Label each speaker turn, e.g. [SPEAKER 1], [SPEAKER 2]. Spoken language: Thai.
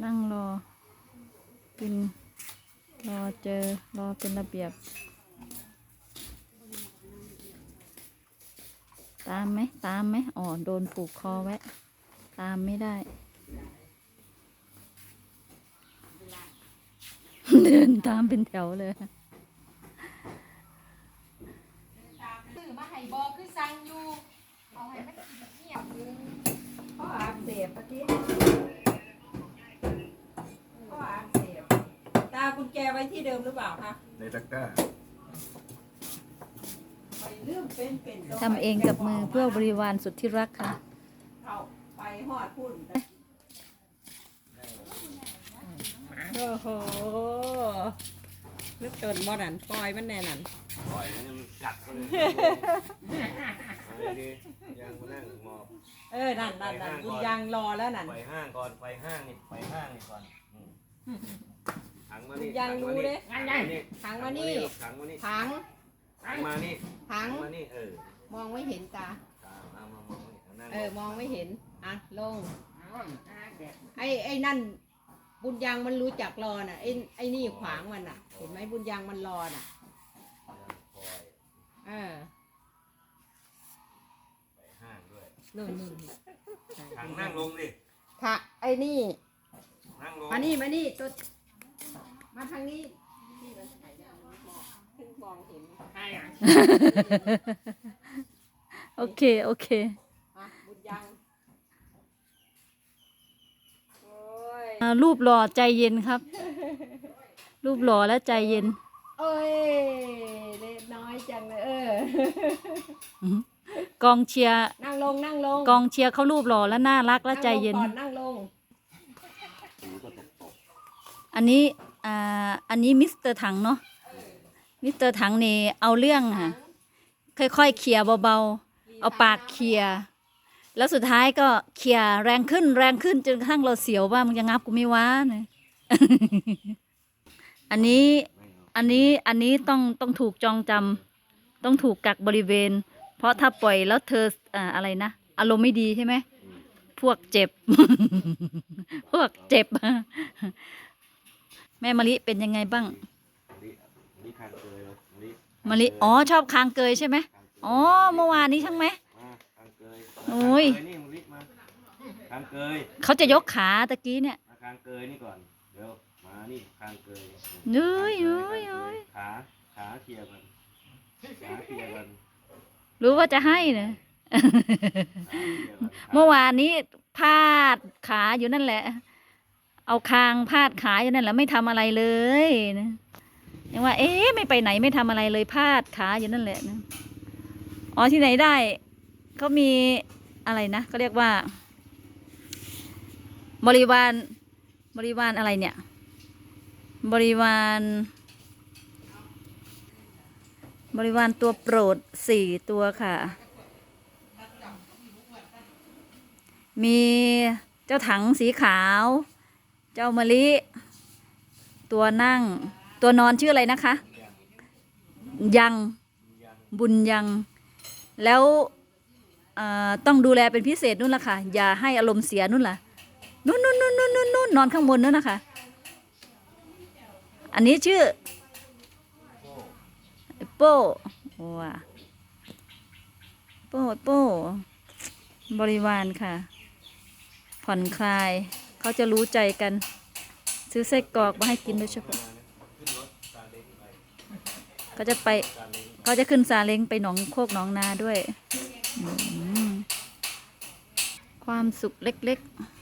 [SPEAKER 1] นั่งรอกินรอเจอรอเป็นระเบียบตามไหมอ๋อโดนผูกคอไว้ตามไม่ได้ เดินตามเป็นแถวเลย
[SPEAKER 2] ซื้อมาให้บอกคือสั่งอยู่เอาให้มันกินเงียบอยู่ข้ออักเสบปะทิข้ออักเสบตากุญแจไว้ที่เดิมหรือเปล่าคะ
[SPEAKER 3] ในตะกร้า
[SPEAKER 2] ไปเรื่องเป็น
[SPEAKER 1] ทำเองกับมือเพื่อบริวารสุดที่รักค่ะ
[SPEAKER 2] เอาไปหอดพุ่นโอ้โหนึกจนบ่นั่นปล่อยมันแน่นั่น
[SPEAKER 3] ปล่อยมันกัดเขาเลยดียังมานั่งมอบ
[SPEAKER 2] นั่นบุญยังรอแล้วนั่น
[SPEAKER 3] ไปห้างก่อนไปห้างนี่ก่อนถังมานี่
[SPEAKER 2] ยังรู้เด้ถังมานี่
[SPEAKER 3] ถังมานี่
[SPEAKER 2] ถัง
[SPEAKER 3] มานี่
[SPEAKER 2] ถัง
[SPEAKER 3] มานี่
[SPEAKER 2] มองไม่เห็นตา
[SPEAKER 3] าม
[SPEAKER 2] องไม่เห็นอ่ะลงไอ้นั่นบุญยังมันรู้จักรอน่ะไอ้นี่ขวางมันน่ะเห็นไหมบุญยังมันรอน่ะ
[SPEAKER 3] ไปห้างด้วย
[SPEAKER 2] นู่น
[SPEAKER 3] ถังนั่งลงดิ
[SPEAKER 2] ค่ะไอ้นี่
[SPEAKER 3] นั่งลง
[SPEAKER 2] มานี่ตัวมาทางนี้ที่มันถ่ายได้ขึ้นมองเห็น
[SPEAKER 1] โอเค
[SPEAKER 2] บุญยัง
[SPEAKER 1] รูปหล่อใจเย็นครับ รูปหล่อและใจเย็น
[SPEAKER 2] เอ้ยเล็กน้อยจังเลย
[SPEAKER 1] กองเชียร์
[SPEAKER 2] นั่งลง
[SPEAKER 1] กองเชียร์เขารูปหล่อและน่ารักและใจเย็น
[SPEAKER 2] นั่งลง
[SPEAKER 1] อันนี้มิสเตอร์ถังเนาะมิสเตอร์ถังนี่เอาเรื่องค่ะค่อยๆเขี่ยเบาๆเอาปากเขี่ยแล้วสุดท้ายก็เขี่ยแรงขึ้นจนกระทั่งเราเสียวว่ามันจะงับกูไม่ว้าเนี่ยอันนี้ต้องถูกจองจำต้องถูกกักบริเวณเพราะถ้าปล่อยแล้วเธออะไรนะอารมณ์ไม่ดีใช่ไหมพวกเจ็บ แม่มะลิเป็นยังไงบ้างมะลิอ๋อชอบคางเกยใช่ไหมอ๋อเมื่อวานนี้ใช่ไหมโอ้ย
[SPEAKER 3] คางเกย
[SPEAKER 1] เขาจะยกขาตะกี้เนี่ย
[SPEAKER 3] คางเกยนี่ก่อนเดี๋ยวมานี่คางเกย
[SPEAKER 1] เฮ้ย
[SPEAKER 3] ขาเคลียร์กัน
[SPEAKER 1] รู้ว่าจะให้นะเมื่อวานนี้พาดขาอยู่นั่นแหละเอาคางพาดขาอยู่นั่นแหละไม่ทำอะไรเลยนะยังว่าไม่ไปไหนไม่ทำอะไรเลยพาดขาอยู่นั่นแหละนะอ๋อที่ไหนได้เขามีอะไรนะเขาเรียกว่าบริวารอะไรเนี่ยบริวารตัวโปรด4 ตัวค่ะมีเจ้าถังสีขาวเจ้ามะลิตัวนั่งตัวนอนชื่ออะไรนะคะยังบุญยังแล้วต้องดูแลเป็นพิเศษนู่นล่ะค่ะอย่าให้อารมณ์เสียนู่นล่ะนู่นนอนข้างบนนู่นนะคะอันนี้ชื่อโป้ว้าโป้บริวารค่ะผ่อนคลายเขาจะรู้ใจกันซื้อไส้กรอกมาให้กินโดยเฉพาะเขาจะขึ้นซาเล้งไปหนองโคกหนองนาด้วยความสุขเล็กๆ